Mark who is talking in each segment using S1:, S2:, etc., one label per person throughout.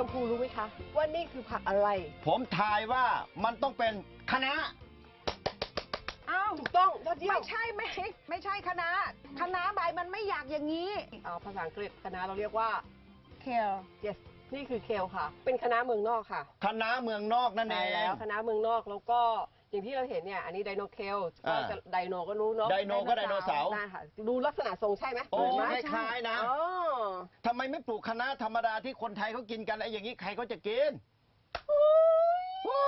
S1: มพูรู้ไหมคะว่านี่คือผักอะไร
S2: ผมทายว่ามันต้องเป็นคะน้า
S3: อ้าว
S1: ถูกต้องยอดเยี่ยม
S3: ไม่ใช่คะน้าใบมันไม่อยากอย่างนี้
S1: ภาษาอังกฤษคะน้าเราเรียกว่า
S3: kale
S1: yes นี่คือเคลค่ะเป็นคะน้าเมืองนอกค่ะ
S2: คะน้าเมืองนอกนั่นเอ
S1: ใช่
S2: ง
S1: แล้วคะน้าเมืองนอกแล้วก็อย่างที่เราเห็นเนี่ยอันนี้ไดโนเคลก็จะไดโนก็รู้เนาะ
S2: ไดโนก็ไดโนเสาร์
S1: ใช่ค่ะดูลักษณะทรงใช่ไหม
S2: โอ้
S1: เหมือนไหม
S2: คล้ายๆนะ
S1: อ๋อ
S2: ทำไมไม่ปลูกคะน้าธรรมดาที่คนไทยเขากินกันไอ้อย่างนี้ใครเขาจะกินว้าย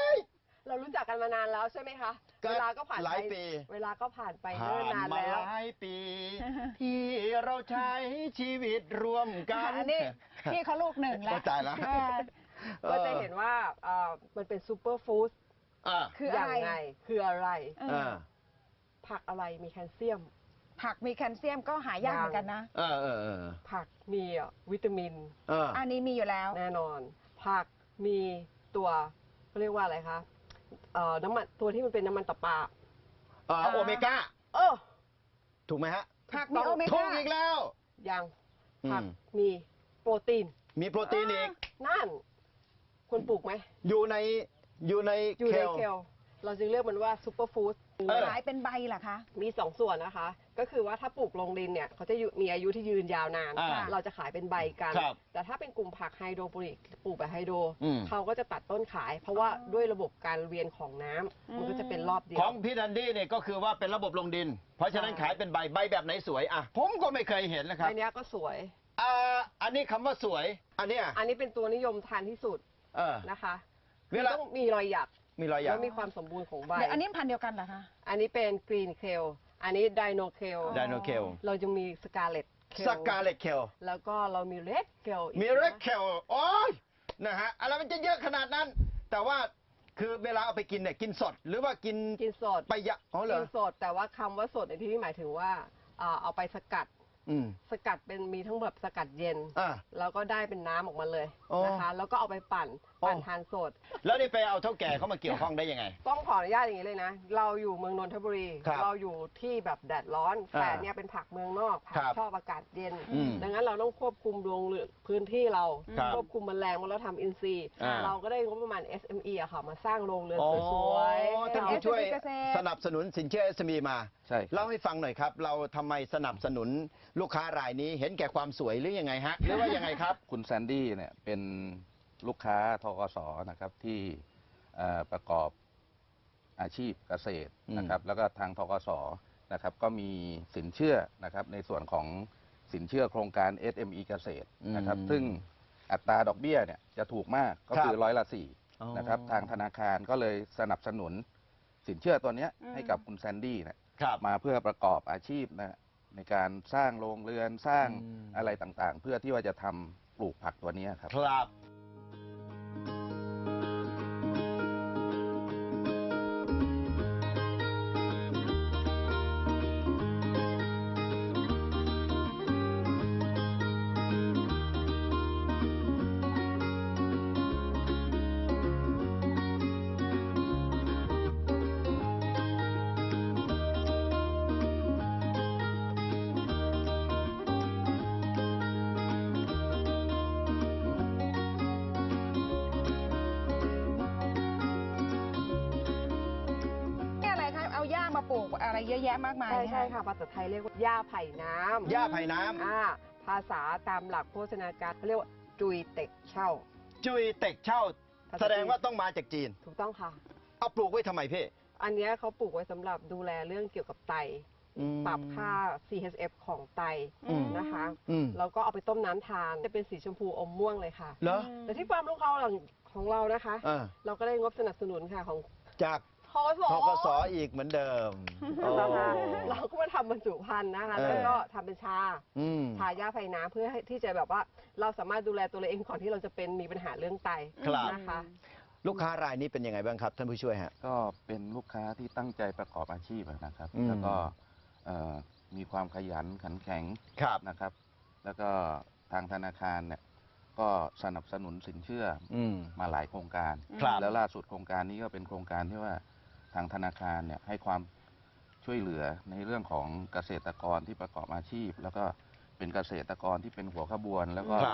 S1: เรารู้จักกันมานานแล้วใช่ไหมคะ
S2: ก็
S1: เวลาก็ผ่าน
S2: หลาย
S1: ไป
S2: ปี
S1: เวลาก็ผ่านไป
S2: ผ่า
S1: เนิ่นนาน
S2: นมา
S1: แล้ว
S2: หลายปี ที่เราใช้ชีวิตร่วมกัน
S3: อันนี้พี่เขาลูกหนึ่งแล้ว
S2: เข้าใจแล้ว
S1: ก็จะเห็นว่ามันเป็นซูเปอร์ฟู้ด
S3: คือ
S1: อ
S3: อะ
S1: ย่าง
S3: ไร
S1: ไงคืออะไร ผักอะไรมีแคลเซียม
S3: ผักมีแคลเซียมก็หายากเหมือนกันนะ
S1: ผักมีวิตามิน
S3: อันนี้มีอยู่แล้ว
S1: แน่นอน ผักมีตัวเขาเรียกว่าอะไรคะน้ำมันตัวที่มันเป็นน้ำมันตับปลา
S2: โอเมก้า ถูกไหมฮะ
S3: ผักมีโอเม
S2: ถู
S3: ก้า
S2: กอีกแล้ว
S1: ยังผักมีโปรตีน
S2: มีโปรตีนอีก
S1: นั่นคุณปลูกไหม
S2: อยู่ใน
S1: อยู่ใน
S2: เคล
S1: เคลเราจึงเรียกมันว่าซูเปอร์ฟู้ด
S3: ขายเป็นใบเหรอคะ
S1: มี2 ส่วนนะคะ ก็คือว่าถ้าปลูกลงดินเนี่ยเขาจะมีอายุที่ยืนยาวนาน เราจะขายเป็นใบกัน แต่ถ้าเป็นกลุ่มผักไฮโดรโปนิกปลูกแบบไฮโดรเขาก็จะตัดต้นขาย เพราะว่าด้วยระบบการเวียนของน้ำมันก็จะเป็นรอบเดียว
S2: ของพี่ดันดี้เนี่ยก็คือว่าเป็นระบบลงดิน เพราะฉะนั้นขายเป็นใบแบบไหนสวยอ่ะผมก็ไม่เคยเห็นนะครับ
S1: ใบนี้ก็สวย
S2: อันนี้คำว่าสวย อันเนี้ย
S1: อันนี้เป็นตัวนิยมทานที่สุดนะคะ
S2: เวลา
S1: ต้องมีรอยหยัก
S2: มีรอยหยั
S1: แล้
S2: ก
S1: วมีความสมบูรณ์ของใบ
S3: เดี๋ยวอันนี้พันธุ์เดียวกันเหรอคะ
S1: อันนี้เป็นกรีนเคลอันนี้ไดโนเคล
S2: ไดโนเคล
S1: เราจะมีสกาเลตเคล
S2: สกาเลตเคล
S1: แล้วก็เรามีเรดเคล
S2: มีเรดเคลโอ้ยนะฮะอะไรมันจะเยอะขนาดนั้น แต่ว่าคือเวลาเอาไปกินเนี่ยกินสดหรือว่ากิน
S1: สด
S2: ไปยะอ๋อเหร
S1: กิ
S2: อน
S1: สดแต่ว่าคำว่าสดในที่นี้หมายถึงว่าเอาไปสกัดเป็นมีทั้งแบบสกัดเย็นแล้วก็ได้เป็นน้ำออกมาเลยนะคะแล้วก็เอาไปปั่นทานสด
S2: แล้วนี่ไปเอาเท่าแก่เขามาเกี่ยวข้องได้ยังไง
S1: ต้องขออนุญาตอย่างนี้เลยนะ เราอยู่เมืองนนทบุรี เราอยู่ที่แบบแดดร้อนแต่เนี่ยเป็นผักเมืองนอกผักชอบอากาศเย็น ดังนั้นเราต้องควบคุมดวงพื้นที่เราควบคุมแมลงว่าเราทำอินทรีย์เราก็ได้งบประมาณ SME อะค่ะมาสร้างโรงเรือนสวยๆ
S2: ท่านผู้ช่วยสนับสนุนสินเชื่อ SME มา
S4: ใช่
S2: เล่าให้ฟังหน่อยครับ เราทำไมสนับสนุนลูกค้ารายนี้เห็นแก่ความสวยหรือยังไงฮะหรือว่ายังไงครับ
S4: คุณแซนดี้เนี่ยเป็นลูกค้าทกสนะครับที่ประกอบอาชีพเกษตรนะครับแล้วก็ทางทกสนะครับก็มีสินเชื่อนะครับในส่วนของสินเชื่อโครงการ SME เกษตรนะครับซึ่งอัตราดอกเบี้ยเนี่ยจะถูกมากก็คือ4%นะครับทางธนาคารก็เลยสนับสนุนสินเชื่อตัวนี้ให้กับคุณแซนดี้เนี่ยมาเพื่อประกอบอาชีพนะในการสร้างโรงเรือนสร้างอะไรต่างๆ เพื่อที่ว่าจะทำปลูกผักตัวนี้ครับ
S2: ครับ
S3: เอาหญ้ามาปลูกอะไรเยอะแยะมากมาย
S1: ใช่ค่ะภาษาไทยเรียกว่าหญ้าไผ่น้ำ
S2: หญ้าไผ่น้ำ
S1: ภาษาตามหลักโภชนาการเขาเรียกว่าจุยเต็กเช่า
S2: จุยเต็กเช่า แสดงว่าต้องมาจากจีน
S1: ถูกต้องค่ะ
S2: เอาปลูกไว้ทำไมพี่
S1: อันนี้เขาปลูกไว้สำหรับดูแลเรื่องเกี่ยวกับไตปรับค่า CHF ของไตนะคะแล้วก็เอาไปต้มน้ำทานจะเป็นสีชมพูอมม่วงเลยค่ะ
S2: เหรอ
S1: แต่ที่ความรู้ของเรานะคะเราก็ได้งบสนับสนุนค่ะของ
S2: จาก
S1: ทกส
S2: อีกเหมือนเดิม
S1: เราก็มาทำบรรจุภัณฑ์นะคะแล้วก็ทำเป็นชาหญ้าไผ่น้ำเพื่อที่จะแบบว่าเราสามารถดูแลตัวเราเองก่อนที่เราจะมีปัญหาเรื่องไตนะคะ
S2: ลูกค้ารายนี้เป็นยังไงบ้างครับท่านผู้ช่วยฮะ
S4: ก็เป็นลูกค้าที่ตั้งใจประกอบอาชีพนะครับแล้วก็มีความขยันขันแข็งนะครับ แล้วก็ทางธนาคารเนี่ยก็สนับสนุนสินเชื่อมาหลายโครงการแล้วล่าสุดโครงการนี้ก็เป็นโครงการที่ว่าทางธนาคารเนี่ยให้ความช่วยเหลือในเรื่องของเกษตรกรที่ประกอบอาชีพ แล้วก็เป็นเกษตรกรที่เป็นหัวขบวน แล้วก็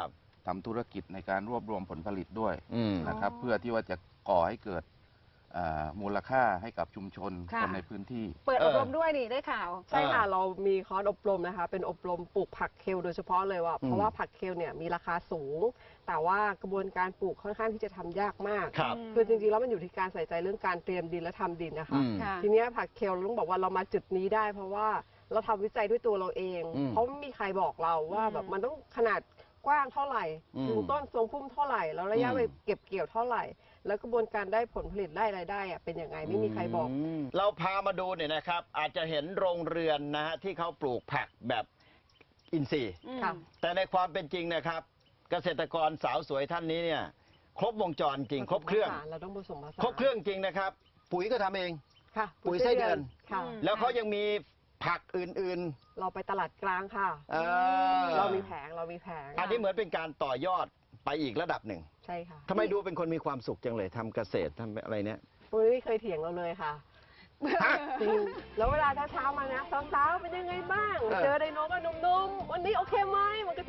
S4: ทำธุรกิจในการรวบรวมผลผลิตด้วย
S2: อืม
S4: นะครับ เพื่อที่ว่าจะก่อให้เกิดมูลค่าให้กับชุมชน
S3: ค่ะ
S4: คนในพื้นที่
S3: เปิดอบรมด้วยนี่ได้ข่าว
S1: ใช่ค่ะ เรามีคอร์สอบรมนะคะ เป็นอบรมปลูกผักเคลโดยเฉพาะเลยว่า เพราะว่าผักเคลเนี่ยมีราคาสูง แต่ว่ากระบวนการปลูกค่อนข้างที่จะทำยากมาก
S2: ครับ
S1: คือจริงๆแล้วมันอยู่ที่การใส่ใจเรื่องการเตรียมดินและทำดินนะคะ
S2: อืม
S3: ค่ะ
S1: ทีเนี้ยผักเคลเราต้องบอกว่าเรามาจุดนี้ได้ เพราะว่าเราทำวิจัยด้วยตัวเราเอง
S2: อืม
S1: เพราะไม่มีใครบอกเราว่าแบบมันต้องขนาดกว้างเท่าไหร่
S2: อืม
S1: ถึงต้นทรงพุ่มเท่าไหร่ แล้วระยะเวลาเก็บเกี่ยวเท่าไหร่ แล้วกระบวนการได้ผลผลิตได้รายได้อะเป็นยังไงไม่มีใครบอก
S2: เราพามาดูเนี่ยนะครับ อาจจะเห็นโรงเรือนนะฮะที่เขาปลูกผักแบบอินทรีย์
S1: ค่ะ
S2: แต่ในความเป็นจริงนะครับ เกษตรกรสาวสวยท่านนี้เนี่ย ครบวงจรจริง ครบเครื่อง
S1: เราต้องผสมผสาน
S2: ครบเครื่องจริงนะครับ ปุ๋ยก็ทำเอง
S1: ค่ะ
S2: ปุ๋ยไส้เดือน
S1: ค่ะ
S3: อืม
S2: แล้วเขายังมีผักอื่น
S1: เราไปตลาดกลางค่ะ
S2: ๆ
S1: เรามีแผง
S2: อันนี้เหมือนเป็นการต่อยอดไปอีกระดับหนึ่ง
S1: ใช่ค่ะ
S2: ทำไมดูเป็นคนมีความสุขจังเลยทำเกษตรทำอะไรเนี่ย
S1: ปุ้ยไม่เคยเถียงเราเลยค่ะจริงแล้วเวลาเช้าๆมานะสาวๆเป็นยังไงบ้าง
S2: เออ
S1: เจอไดโนก็หนุ่มๆวันนี้โอเคไหมมันก็จะ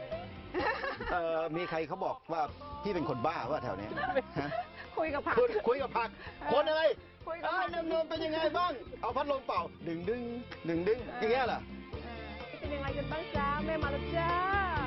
S2: มีใครเขาบอกว่าพี่เป็นคนบ้าว่าแถวเนี้ยฮะ
S3: คุยกับผัก
S2: คุยกับผัก คนอะไร
S3: คุยกับผัก
S2: นมๆเป็นยังไงบ้าง เอาพัดลมเป่า ดึงดึงอย่างเงี้ยเหรอ
S1: เป็นยังไงกันบ้างจ้าแม่มาแล้วจ้า